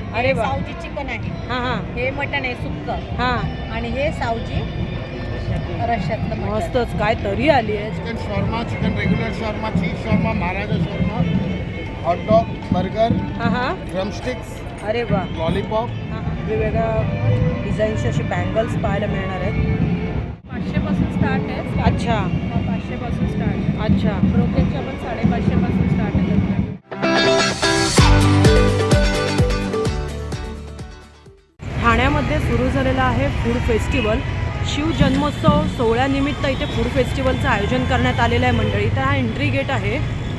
अरे वा. सावजी चिकन आहे. हां हां हे मटण आहे सुक्क. हां आणि हे सावजी रश्यातलं मटण. मस्तच. काय तरी आली आहे. Chicken shawarma, chicken regular shawarma, cheese shawarma, Maharaja shawarma, hot dog, burger, हां हां ड्रमस्टिक्स, अरे वा. लॉलीपॉप. हां हां वेगवेगळ्या डिझाईनचे असे बँगल्स पाहायला मिळणार आहेत. 500 पासून स्टार्ट आहे. अच्छा 500 पासून स्टार्ट आहे. अच्छा ब्रोकेजच्या पण 550 पासून स्टार्ट आहे. ठाण्यामध्ये सुरू झालेला आहे फूड फेस्टिवल. शिवजन्मोत्सव सोहळ्यानिमित्त इथे फूड फेस्टिवलचं आयोजन करण्यात आलेलं आहे मंडळी. तर हा एंट्री गेट आहे.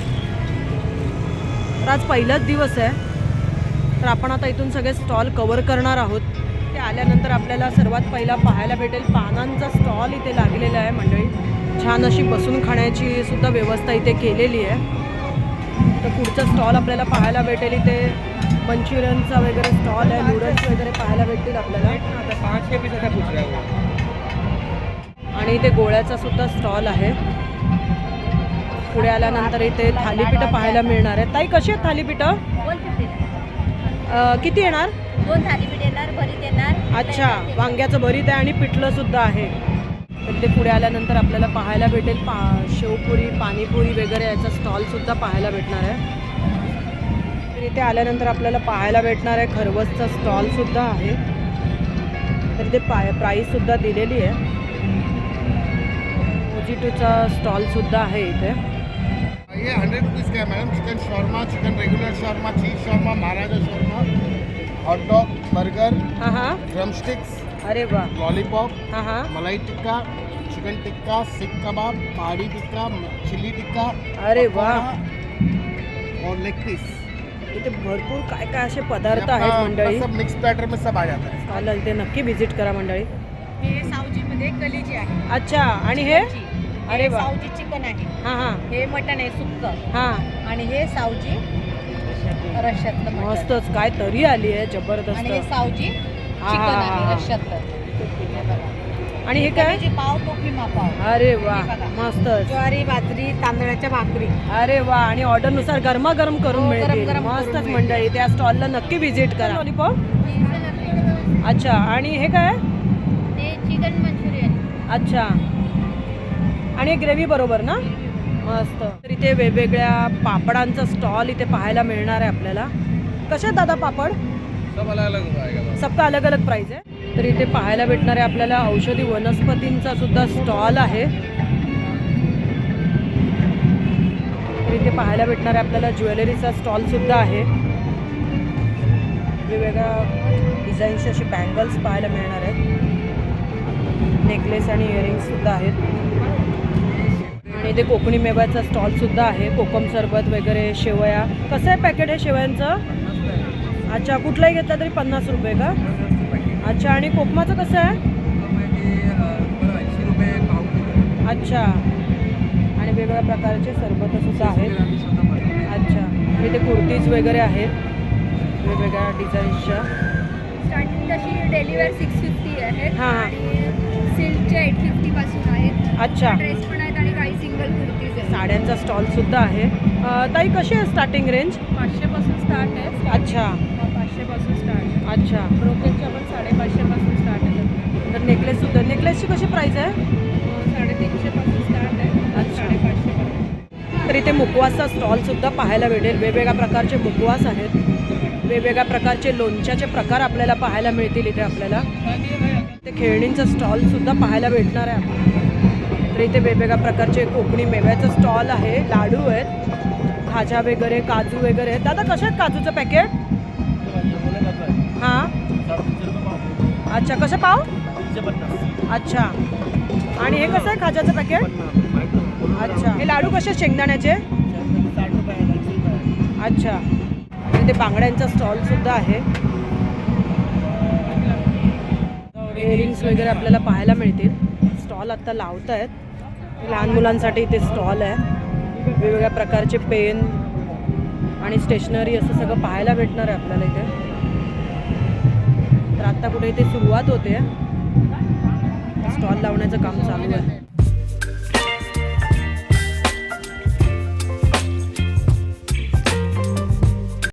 तर आज पहिलाच दिवस आहे. तर आपण आता इथून सगळे स्टॉल कव्हर करणार आहोत. ते आल्यानंतर आपल्याला सर्वात पहिला पाहायला भेटेल पानांचा स्टॉल इथे लागलेला आहे मंडळी. छान अशी बसून खाण्याची सुद्धा व्यवस्था इथे केलेली आहे. तर पुढचा स्टॉल आपल्याला पाहायला भेटेल इथे मंचुरियनचा वगैरे स्टॉल आहे. नूडल्स वगैरे पाहायला भेटतील आपल्याला. आणि इथे गोळ्याचा सुद्धा स्टॉल आहे. पुढे आल्यानंतर इथे थालीपीठं पाहायला मिळणार आहे. ताई कशी आहेत थालीपीठं? 150 किती येणार? 2 थालीपीठ येणार, भरीत येणार. अच्छा वांग्याचं भरीत आहे आणि पिठलं सुद्धा आहे. तर ते पुढे आल्यानंतर आपल्याला पाहायला भेटेल शेवपुरी, पाणीपुरी वगैरे याचा स्टॉल सुद्धा पाहायला भेटणार आहे. तर इथे आल्यानंतर आपल्याला पाहायला भेटणार आहे खरवसचा स्टॉल सुद्धा आहे. तर इथे प्राईस सुद्धा दिलेली आहे. मोजिटोचा स्टॉल सुद्धा आहे इथे. ये 100 रुपीज़ का है madam. Chicken shawarma, chicken regular shawarma, cheese shawarma, Maharaja shawarma, hot dog, burger, हां हां ड्रमस्टिक्स, अरे वा. लॉलीपॉप, हां हां मलाई टिक्का, चिकन टिक्का, सीख कबाब, पहाड़ी टिक्का, चिली टिक्का, अरे वा. पकौड़ा और लेग पीस. इथे भरपूर काय काय असे पदार्थ आहेत मंडळी. सब मिक्स बैटर में सब आ जाता है. चालेल ते नक्की व्हिजिट करा मंडळी. हे सावजीमध्ये कलेजी आहे. अच्छा आणि हे अरे वा. सावजी चिकन आहे. हां हां हे मटण आहे सुक्क. हां आणि हे सावजी रश्यातलं मटण. मस्तच. काय तरी आली आहे आणि हे जबरदस्त. सावजी हा, चिकन हा, हा, आहे हा. रश्यातलं. हे बघा. आणि हे काय? कलेजी पाव, टोपलीमा पाव. अरे वा हे बघा. मस्तच. ज्वारी, बाजरी, तांदळाच्या भाकरी. अरे वा. आणि ऑर्डरनुसार गरमागरम करून हो, मिळतील. गरम-गरम करून मस्तच मिळतील. मंडळी. त्या स्टॉलला नक्की व्हिजिट करा. लॉलीपॉप. अच्छा आणि हे काय? ते चिकन मंचुरियन. अच्छा आणि ग्रेव्ही बरोबर ना? मस्त. तर इथे वेगवेगळ्या पापडांचा स्टॉल इथे पाहायला मिळणार आहे आपल्याला. कसे आहेत दादा पापड? सब अलग अलग आएगा. सबका अलग अलग प्राइस आहे. तर इथे पाहायला भेटणार आहे आपल्याला औषधी वनस्पतींचा सुद्धा स्टॉल आहे. तर इथे पाहायला भेटणार आहे आपल्याला ज्वेलरीचा स्टॉल सुद्धा आहे. वेगवेगळ्या डिझाईनचे असे बँगल्स पाहायला मिळणार आहेत. नेकलेस आणि इयरिंग्स सुद्धा आहेत. आणि इथे कोकणी मेव्याचा स्टॉल सुद्धा आहे. कोकम सरबत वगैरे, शेवया. कसं आहे पॅकेट आहे शेवयांचं? अच्छा कुठलाही घेतला तरी 50 रुपये का? अच्छा आणि कोकमाचं कसं आहे? 80 रुपये पाव किलो. अच्छा आणि वेगवेगळ्या प्रकारचे सरबत सुद्धा आहेत. अच्छा इथे कुर्तीज वगैरे आहेत वेगवेगळ्या डिझाईन्सच्या. स्टार्टिंग तशी डेलीवेअर 650 आहेत. हां. आणि सिल्कचे 850 पासून आहेत. अच्छा ड्रेस पण आहेत आणि काही सिंगल कुर्तीज आहेत. साड्यांचा स्टॉल सुद्धा आहे. ताई कशी आहे स्टार्टिंग रेंज? 500 पासून स्टार्ट आहे. अच्छा 500 पासून स्टार्ट आहे. अच्छा. ब्रोकेजच्या पण 550 पासून स्टार्ट आहे. तर नेकलेस सुद्धा. नेकलेसची कशी प्राईस आहे? 350 पासून स्टार्ट आहे. अच्छा. 550 पर्यंत. तर इथे मुखवासचा स्टॉल सुद्धा पाहायला भेटेल. वेगवेगळ्या प्रकारचे मुखवास आहेत. वेगवेगळ्या प्रकारचे लोणच्याचे प्रकार आपल्याला पाहायला मिळतील इथे आपल्याला. ते खेळणींचा स्टॉल सुद्धा पाहायला भेटणार आहे आपल्याला. तर इथे वेगवेगळ्या प्रकारचे कोकणी मेव्याचं स्टॉल आहे. लाडू आहेत, खाजा वगैरे, काजू वगैरे. दादा कसे आहेत काजूचं पॅकेट? हां अच्छा कसं पाव? अच्छा आणि हे कसं आहे खाजाचं पॅकेट? अच्छा हे लाडू कसे शेंगदाण्याचे? अच्छा. इथे बांगड्यांचा स्टॉल सुद्धा आहे. इयरिंग्स वगैरे आपल्याला पाहायला मिळतील. स्टॉल आत्ता लावत आहेत. लहान मुलांसाठी इथे स्टॉल आहे. वेगवेगळ्या प्रकारचे पेन आणि स्टेशनरी असं सगळं पाहायला भेटणार आहे आपल्याला इथे. तर आत्ता कुठे इथे सुरुवात होते. स्टॉल लावण्याचं काम चालू आहे.